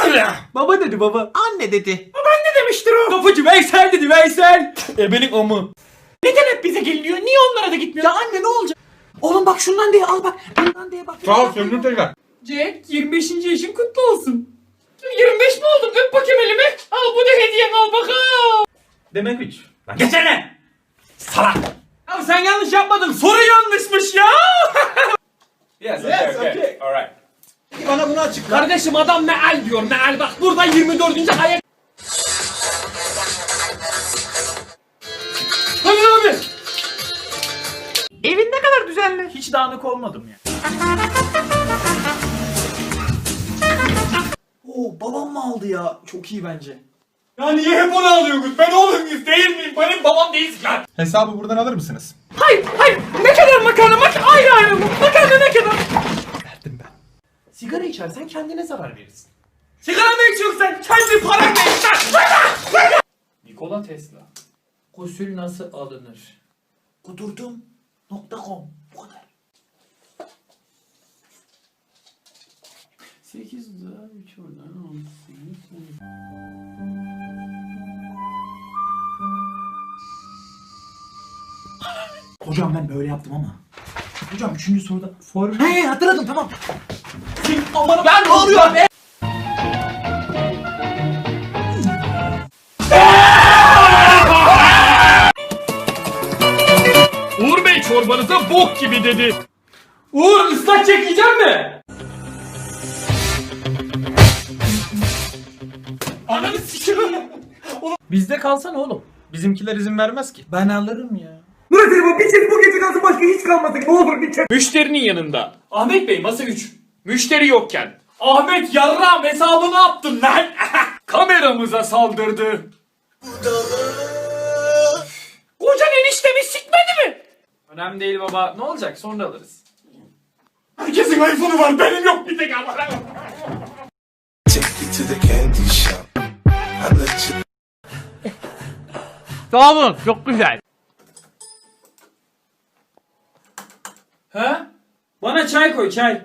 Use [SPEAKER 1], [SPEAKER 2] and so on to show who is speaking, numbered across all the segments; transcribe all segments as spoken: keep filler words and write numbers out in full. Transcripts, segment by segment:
[SPEAKER 1] Baba dedi baba.
[SPEAKER 2] Anne dedi.
[SPEAKER 1] Babaanne demiştir o. Kapıcı Veysel dedi Veysel. Ebenin amı. Neden hep bize geliniyor? Niye onlara da gitmiyor?
[SPEAKER 2] Ya anne ne olacak? Oğlum bak şundan diye al bak. Bundan diye bak.
[SPEAKER 3] Sağ ol söndür tekrar.
[SPEAKER 1] Jack yirmi beşinci yaşın kutlu olsun. yirmi beş mi oldun? Öp bakayım elimi. Al bu da hediyen al bakalım. Demek üç. Lan geçene. Salak. Abi sen yanlış yapmadın. Soru yanlışmış ya. Yes, okay,
[SPEAKER 3] Yes,
[SPEAKER 1] okay.
[SPEAKER 3] okay.
[SPEAKER 1] Alright.
[SPEAKER 3] Bana bunu açıkla.
[SPEAKER 1] Kardeşim adam meal diyor meal bak burada yirmi dördüncü ayak. Hadi abi.
[SPEAKER 2] Evin ne kadar düzenli.
[SPEAKER 1] Hiç dağınık olmadım ya.
[SPEAKER 2] Oo babam mı aldı ya? Çok iyi bence.
[SPEAKER 1] Ya niye hep onu alıyorsunuz? Ben oğlum muyuz değil miyim? Benim babam değiliz lan.
[SPEAKER 3] Hesabı buradan alır mısınız?
[SPEAKER 1] Hayır hayır ne kadar makarna mak ayrı ayrı mı? Makarna ne kadar?
[SPEAKER 3] Verdim ben.
[SPEAKER 2] Sigara içersen kendine zarar verirsin.
[SPEAKER 1] Sigara mı içiyorsun sen? Kendi paranla iç lan. Nikola Tesla. Gusül nasıl alınır?
[SPEAKER 2] Kudurdum nokta com. Bu kadar.
[SPEAKER 1] sekiz daha üç oradan on sekiz.
[SPEAKER 2] Hocam ben böyle yaptım ama. Hocam üçüncü soruda for... He hatırladım tamam.
[SPEAKER 1] Aman ben ne oluyor be? Uğur Bey çorbanıza bok gibi dedi. Uğur ıslak çekeceğim mi? Ananı sikiyorum. Bizde kalsana oğlum. Bizimkiler izin vermez ki.
[SPEAKER 2] Ben alırım ya.
[SPEAKER 1] Müşterinin yanında. Ahmet Bey masa üç. Müşteri yokken. Ahmet yarram hesabı ne yaptın lan? Kameramıza saldırdı. Kocan eniştemi sikmedi mi? Önemli değil baba. Ne olacak? Sonra alırız. Herkesin iPhone'u var. Benim yok bir tek ama.
[SPEAKER 4] Take you to the candy shop. I let you.
[SPEAKER 1] Sağ olun. Çok güzel. He? Bana çay koy çay.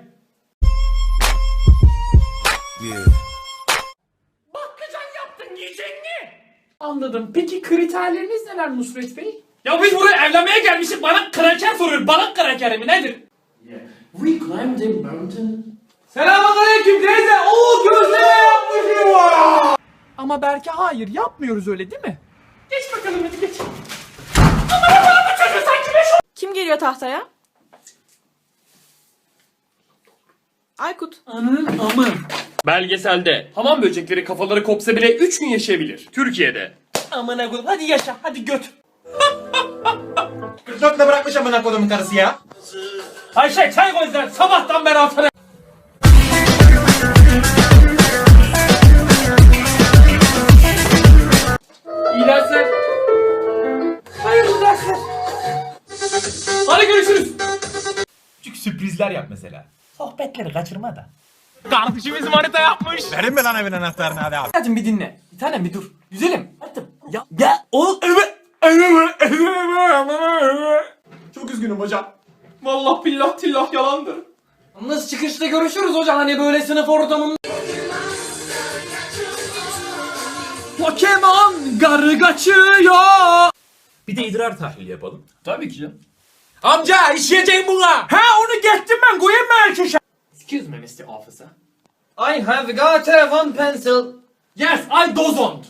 [SPEAKER 4] Yeah.
[SPEAKER 1] Bakkacan yaptın yiyecek mi? Anladım. Peki kriterleriniz neler Nusret Bey? Ya biz buraya evlenmeye gelmişiz. Bana kraker soruyor. Bana kraker mi nedir? Yeah. We climbed a mountain. Selamünaleyküm teyze. Oo gözleme yapmışım var.
[SPEAKER 2] Ama belki hayır yapmıyoruz öyle değil mi?
[SPEAKER 1] Geç bakalım hadi geç. Aman Allah'ım bu çocuğu sanki beş o...
[SPEAKER 5] Kim geliyor tahtaya? Aykut.
[SPEAKER 1] Ananın amı. Belgeselde hamam böcekleri kafaları kopsa bile üç gün yaşayabilir. Türkiye'de. Amına koyayım hadi yaşa hadi göt.
[SPEAKER 3] kırk dörtle bırakmış amına kodumun karısı ya.
[SPEAKER 1] Ayşe çay koy sen sabahtan beri altına. İyi dersler. Hayırlı dersler. Hadi görüşürüz.
[SPEAKER 3] Küçük sürprizler yap mesela.
[SPEAKER 2] Sohbetleri kaçırma da.
[SPEAKER 1] Kardeşimiz manita yapmış.
[SPEAKER 3] Verin mi lan evin anahtarını hadi abi.
[SPEAKER 1] Hadi bir dinle. Bir tanem bir dur. Güzelim. Hadi. Ya ya o evet.
[SPEAKER 3] Çok üzgünüm hocam.
[SPEAKER 1] Vallahi billah tillah yalandır. Nasıl çıkışta görüşürüz hocam hani böyle sınıf ortamında. Pokemon garı kaçıyor.
[SPEAKER 2] Bir de idrar tahlili yapalım.
[SPEAKER 1] Tabii ki canım. Amca işleyeceğim buna. Ha onu geçtim ben koyayım mı erkeşe? Excuse me mister Officer. I have got a one pencil. Yes I don't.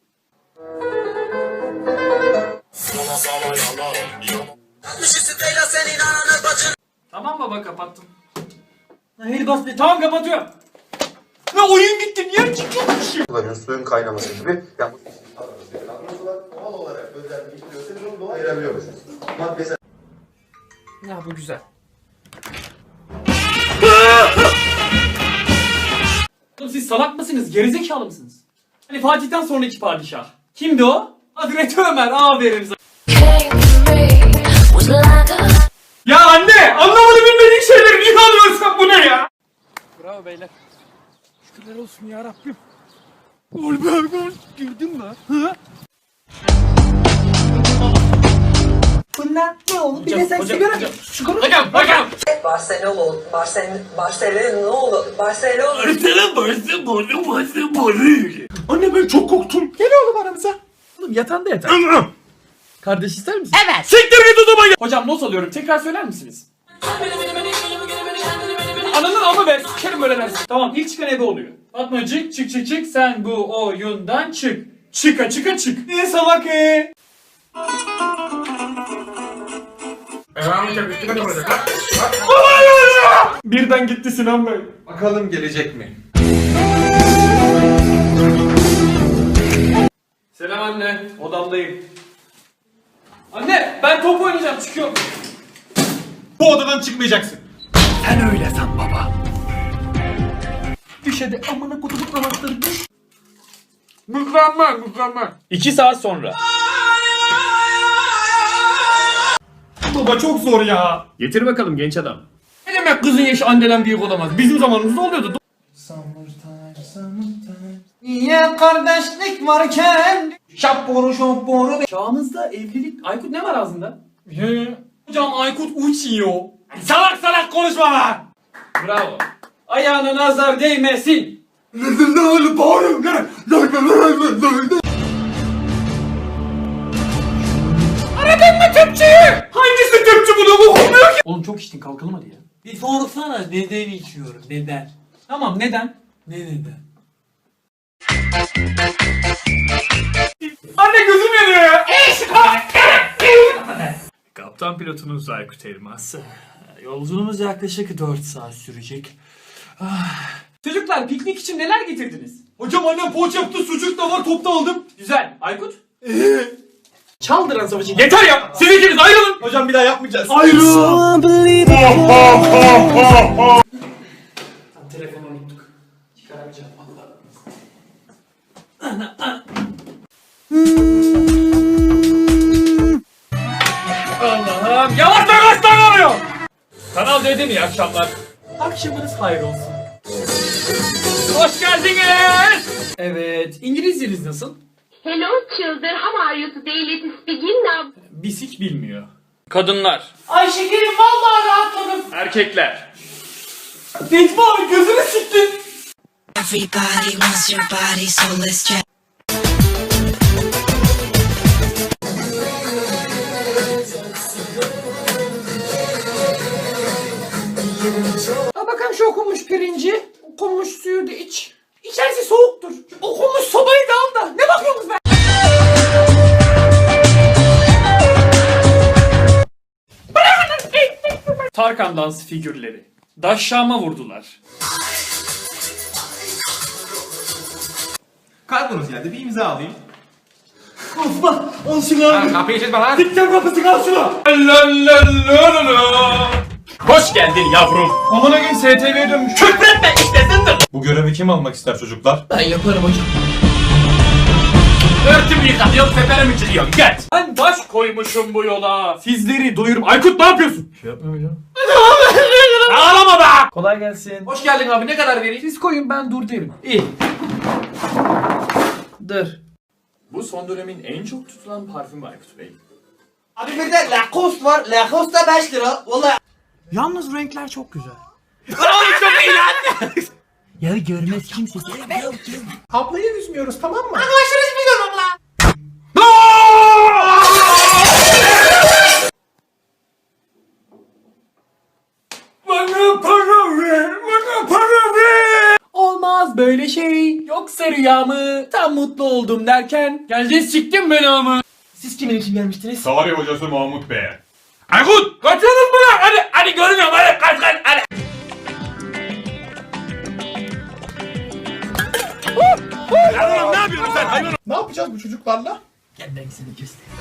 [SPEAKER 1] Tamam baba kapattım. Hayır bas be tamam kapatıyorum. Ne oyun gitti niye çıkıyormuşum?
[SPEAKER 6] kullanıyoruz suyun kaynaması gibi. Yani doğal olarak özelliği işliyorsanız onu doğal ayırabiliyorsunuz. Maddesel.
[SPEAKER 1] Ya bu güzel. Oğlum siz salak mısınız? Gerizekalı mısınız? Hani Fatih'ten sonraki padişah. Kimdi o? Hazreti Ömer. Aferin sana. Ya anne! Anlamadı bilmediğin şeyleri niye alıyorsun bu ne ya? Bravo beyler. Şükürler olsun ya Rabbim. Ol be ol. Girdin mi? Hı?
[SPEAKER 2] Barcelona ne olur? Bir de sen
[SPEAKER 1] hocam,
[SPEAKER 2] sigara
[SPEAKER 1] hocam.
[SPEAKER 2] şu konu.
[SPEAKER 1] Hocam hocam.
[SPEAKER 7] Barcelona, Barcelona, Barcelona, Barcelona.
[SPEAKER 2] Anne ben çok korktum. Gel oğlum aramıza. Oğlum yatağında yatar. Kardeş ister misin?
[SPEAKER 5] Evet.
[SPEAKER 1] Siktir git o zaman. Hocam not alıyorum. Tekrar söyler misiniz? Ananın ama ben sikerim böyle dersin. Tamam ilk çıkan ebe oluyor. Fatmacık çık çık çık sen bu oyundan çık. Çıka çıka çık. Ne salak e? Birden gitti Sinan Bey.
[SPEAKER 3] Bakalım gelecek mi?
[SPEAKER 1] Selam anne. Odamdayım. Anne ben top oynayacağım çıkıyorum.
[SPEAKER 3] Bu odadan çıkmayacaksın.
[SPEAKER 2] Sen öyle san baba. Düşede amına kutubu anahtarı düş.
[SPEAKER 1] Mükemmel mükemmel. İki saat sonra.
[SPEAKER 3] Baba çok zor ya.
[SPEAKER 1] Getir bakalım genç adam. Ne demek kızın yaşı anneden büyük olamaz? Bizim zamanımızda oluyordu.
[SPEAKER 2] Niye kardeşlik varken? Şapboru şapboru.
[SPEAKER 1] Çağımızda evlilik... Aykut ne var ağzında? He. Hocam Aykut uçuyor. Salak salak konuşma lan! Bravo. Ayağına nazar değmesin. Aradın mı tüpçüyü? Hangisi tüpçü bunu okumuyor ki? Oğlum çok içtin kalkalım hadi ya.
[SPEAKER 2] Bir sorsana neden içiyorum neden?
[SPEAKER 1] Tamam neden?
[SPEAKER 2] Ne neden?
[SPEAKER 1] Anne gözüm yanıyor ya. Kaptan pilotunuz Aykut Elmas.
[SPEAKER 2] Yolculuğumuz yaklaşık dört saat sürecek.
[SPEAKER 1] Çocuklar piknik için neler getirdiniz? Hocam annem poğaça yaptı, sucuk da var, top da aldım. Güzel. Aykut? Çaldıran savaşı. Yeter ya! Siz ikiniz ayrılın!
[SPEAKER 3] Hocam bir daha yapmayacağız.
[SPEAKER 1] Ayrılın! Telefonu unuttuk. Çıkaramayacağım valla. Allah'ım yavaş da kaç tane oluyor? Kanal dedim iyi akşamlar.
[SPEAKER 2] Akşamınız hayır olsun.
[SPEAKER 1] Hoş geldiniz. Evet, İngilizceniz nasıl?
[SPEAKER 8] Hello children, how are you today? Let's begin now.
[SPEAKER 1] Bisik bilmiyor. Kadınlar.
[SPEAKER 2] Ay şekerim vallahi rahatladım.
[SPEAKER 1] Erkekler. Necmi abi gözünü siktin.
[SPEAKER 9] Everybody wants your body, so let's check.
[SPEAKER 1] Ha bakalım şu okunmuş pirinci. Okunmuş suyu da iç. İçerisi soğuktur. Okunmuş sobayı da al da. Ne bakıyorsunuz be? Tarkan dans figürleri. Daşşama vurdular.
[SPEAKER 3] Kargonuz geldi, bir imza alayım.
[SPEAKER 2] Osman al şunu abi.
[SPEAKER 3] Kapıyı çizme lan.
[SPEAKER 2] Dikten kapısı al şunu.
[SPEAKER 1] Hoş geldin yavrum.
[SPEAKER 3] Amına gün S T V'ye dönmüş.
[SPEAKER 1] Küfretme işlesindir.
[SPEAKER 3] Bu görevi kim almak ister çocuklar?
[SPEAKER 2] Ben yaparım hocam.
[SPEAKER 1] Örtümü yıkatıyorum, seferim içiriyorum. Geç. Ben baş koymuşum bu yola. Sizleri doyurum. Aykut ne yapıyorsun?
[SPEAKER 2] Şey yapmıyorum hocam.
[SPEAKER 1] Ağlama be.
[SPEAKER 2] Kolay gelsin.
[SPEAKER 1] Hoş geldin abi. Ne kadar vereyim?
[SPEAKER 2] Siz koyun ben dur derim. İyi. Dur.
[SPEAKER 1] Bu son dönemin en çok tutulan parfümü Aykut Bey.
[SPEAKER 2] Abi bir de Lacoste var. Lacoste da beş lira. Vallahi. Yalnız renkler çok güzel.
[SPEAKER 1] Çok iyi lan.
[SPEAKER 2] Ya görmez kimse.
[SPEAKER 3] Ablayı üzmüyoruz tamam mı?
[SPEAKER 1] Bana para ver. Bana para ver. Olmaz böyle şey. Yoksa rüyamı. Tam mutlu oldum derken. Geldin siktin beni ama.
[SPEAKER 2] Siz kimin için gelmiştiniz?
[SPEAKER 3] Tarih hocası Mahmut Bey.
[SPEAKER 1] Aykut kaçıyorsunuz mu lan? Hadi hadi görmüyorum hadi kaç kaç hadi.
[SPEAKER 3] Ne yapıyorsun sen hayvan? Ne yapacağız bu çocuklarla?
[SPEAKER 2] Gel ben seni göstereyim.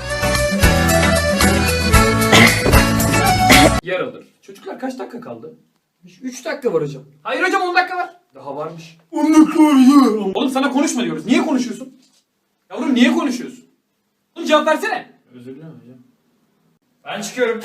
[SPEAKER 1] Yer alır. Çocuklar kaç dakika kaldı? üç dakika var hocam. Hayır hocam on dakika var. Daha varmış.
[SPEAKER 3] on dakika var ya.
[SPEAKER 1] Oğlum sana konuşma diyoruz. Niye konuşuyorsun? Yavrum niye konuşuyorsun? Oğlum cevap versene. Özür dilerim hocam. Ben çıkıyorum.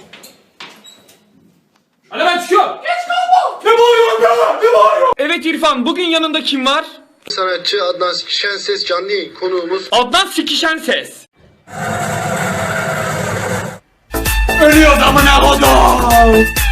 [SPEAKER 1] Hadi ben çıkıyorum. Geç kalma. Ne bağırıyorsun ya? Ne bağırıyorsun? Evet İrfan bugün yanında kim var?
[SPEAKER 6] Sanatçı Adnan Şenses canlı yayın konuğumuz.
[SPEAKER 1] Adnan Sikişen Ses. Ölüyor amına kodum.